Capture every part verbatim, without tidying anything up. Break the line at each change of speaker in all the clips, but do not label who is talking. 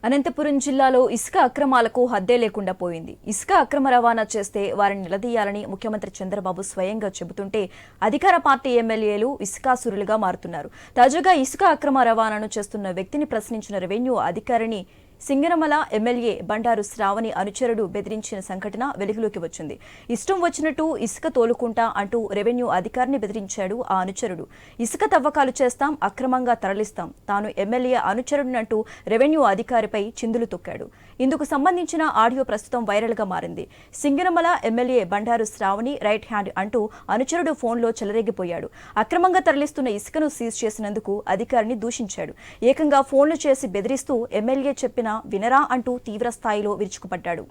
అనంతపురం జిల్లాలో ఇసుక అక్రమాలకు హద్దే లేకుండా పోయింది. ఇసుక అక్రమ రవాణా చేస్తే వారిని నిలదీయాలని ముఖ్యమంత్రి చంద్రబాబు స్వయంగా చెబుతుంటే అధికార పార్టీ ఎమ్మెల్యేలు ఇసుకాసురులుగా మారుతున్నారు. తాజాగా ఇసుక అక్రమ రవాణాను చేస్తున్న వ్యక్తిని ప్రశ్నించిన రెవెన్యూ అధికారిని సింగనమల ఎమ్మెల్యే బండారు శ్రావణి అనుచరుడు బెదిరించిన సంఘటన వెలుగులోకి వచ్చింది. ఇష్టం వచ్చినట్టు ఇసుక తోలుకుంటా అంటూ రెవెన్యూ అధికారిని బెదిరించాడు ఆ అనుచరుడు. ఇసుక తవ్వకాలు చేస్తాం, అక్రమంగా తరలిస్తాం, తాను ఎమ్మెల్యే అనుచరుడినంటూ రెవెన్యూ అధికారిపై చిందులు తొక్కాడు. ఇందుకు సంబంధించిన ఆడియో ప్రస్తుతం వైరల్ గా మారింది. Singanamala MLA Bandaru Sravani right hand అంటూ అనుచరుడు ఫోన్లో చెలరేగిపోయాడు. అక్రమంగా తరలిస్తున్న ఇసుకను సీజ్ చేసినందుకు అధికారిని దూషించాడు. ఏకంగా ఫోన్లు చేసి బెదిరిస్తూ ఎమ్మెల్యే చెప్పిన వినరా అంటూ తీవ్ర స్థాయిలో విరుచుకుపడ్డాడు.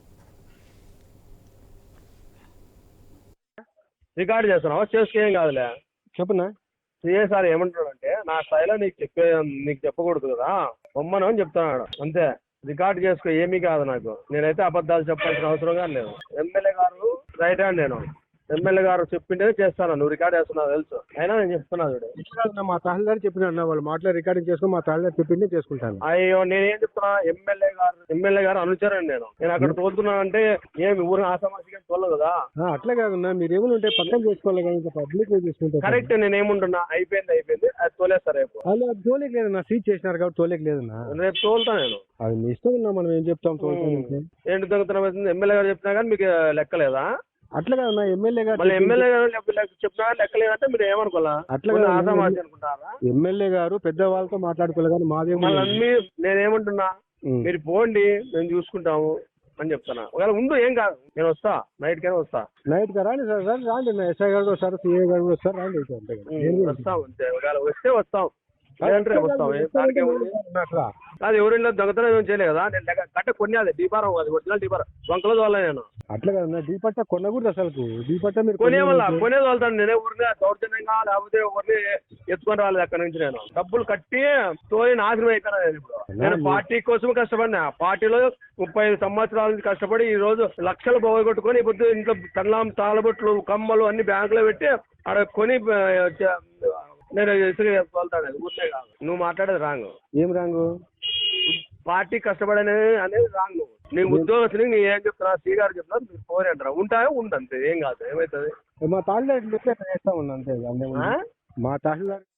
రికార్డు చేస్తున్నావా? చేసుకేం కాదులే,
చెప్పునా
సిఏ సార్ ఏమంటాడంటే నా స్థాయిలో నీకు చెప్పే నీకు చెప్పకూడదు కదా బొమ్మను అని చెప్తున్నాడు అంతే. రికార్డు చేసుకో, ఏమీ కాదు నాకు. నేనైతే అబద్ధాలు చెప్పాల్సిన అవసరం కానీ లేదు. ఎమ్మెల్యే గారు రైట్ హ్యాండ్, నేను ఎమ్మెల్యే గారు చెప్పింటేనే చేస్తాను. నువ్వు రికార్డ్ చేస్తున్నావు తెలుసు, అయినా నేను చెప్తున్నా చూడు.
మా తహసీల్దార్ చెప్పిన వాళ్ళు మాటలో రికార్డింగ్ చేసుకుని మా తహసీల్దార్ చెప్పిందే చేసుకుంటాను.
అయ్యో నేనేం చెప్తున్నా, ఎమ్మెల్యే గారు ఎమ్మెల్యే గారు అనుచరండి. నేను నేను అక్కడ తోలుతున్నానంటే ఏమి ఊరిని ఆసామాసిగా తోలదు కదా.
అట్లా కాదన్నా, మీరు ఏమైనా ఉంటే పక్కన చేసుకోవాలి కానీ ఇంకా పబ్లిక్ చేసుకుంటారు.
కరెక్ట్, నేనేముంటున్నా అయిపోయింది అయిపోయింది అది తోలేస్తారు రేపు.
అలా అది తోలేక లేదన్నా, సీజ్ చేసినారు కాబట్టి తోలేక లేదన్నా.
రేపు తోలుతా నేను.
అది మీ ఇష్టం ఉన్నా, మనం ఏం చెప్తాం.
ఏంటి దొంగతనం ఎమ్మెల్యే గారు చెప్పినా కానీ మీకు లెక్కలేదా?
అట్లా కాదన్నా, ఎమ్మెల్యే గారు
మళ్ళీ ఎమ్మెల్యే గారు చెప్పినా లెక్కలేదంటే మీరు ఏమనుకోవాలా?
అట్లా
ఆసామాసి అనుకుంటారా?
ఎమ్మెల్యే గారు పెద్ద వాళ్ళతో మాట్లాడుకోవాలి కానీ మాదే.
మళ్ళీ నేనేమంటున్నా, మీరు పోండి మేము చూసుకుంటాము అని చెప్తున్నా. ఒకవేళ ఉండు ఏం కాదు, నేను వస్తా, నైట్ కైనా వస్తా.
నైట్ గా రాండి సార్, సార్ రాండి. ఎస్ఐ గారు వస్తారు, సిఐ గారు కూడా వస్తారు, రాండి.
వస్తాం అంతే, ఒకవేళ వస్తే వస్తాం, లేదంటే వస్తాం. దానికి అది ఎవరిలో దొంగతనం ఏం చేయలేదు కదా. నేను కట్ట కొన్ని అది డీపారం, అది ఒరిజినల్ డీపారం వంకలో తోలే నేను.
అట్లా కదా, డీపట్ట కొనకూడదు అసలు. డీపట్ట మీరు
కొనే వల్ల కొనేది వెళ్తాను. నేనే ఊరిని దౌర్జన్యంగా లేకపోతే ఎవరిని ఎత్తుకొని రాలేదు అక్కడి నుంచి. నేను డబ్బులు కట్టి తోలి నాశనం అయిపోయినా. నేను ఇప్పుడు నేను పార్టీ కోసం కష్టపడినా. పార్టీలో ముప్పై ఐదు సంవత్సరాల నుంచి కష్టపడి ఈ రోజు లక్షలు పోగొట్టుకొని ఇప్పుడు ఇంట్లో తల్లాం తాళబొట్లు కమ్మలు అన్ని బ్యాంకులో పెట్టి అక్కడ కొని నేను ఇసుక తోలుతాను. ఊరినే కాదు, నువ్వు మాట్లాడేది రాంగ్.
ఏం రాంగు?
పార్టీ కష్టపడనే అనేది రాంగ్. నీ ఉద్యోగస్తుని నీ ఏం చెప్తున్నా, సీ గారు చెప్తున్నా, మీరు ఫోన్ అంటారా? ఉంటాయో ఉండంతే, ఏం కాదు, ఏమవుతుంది.
మా తహసీల్దార్ చేస్తా ఉన్నా అంతే. మా తహసీల్దార్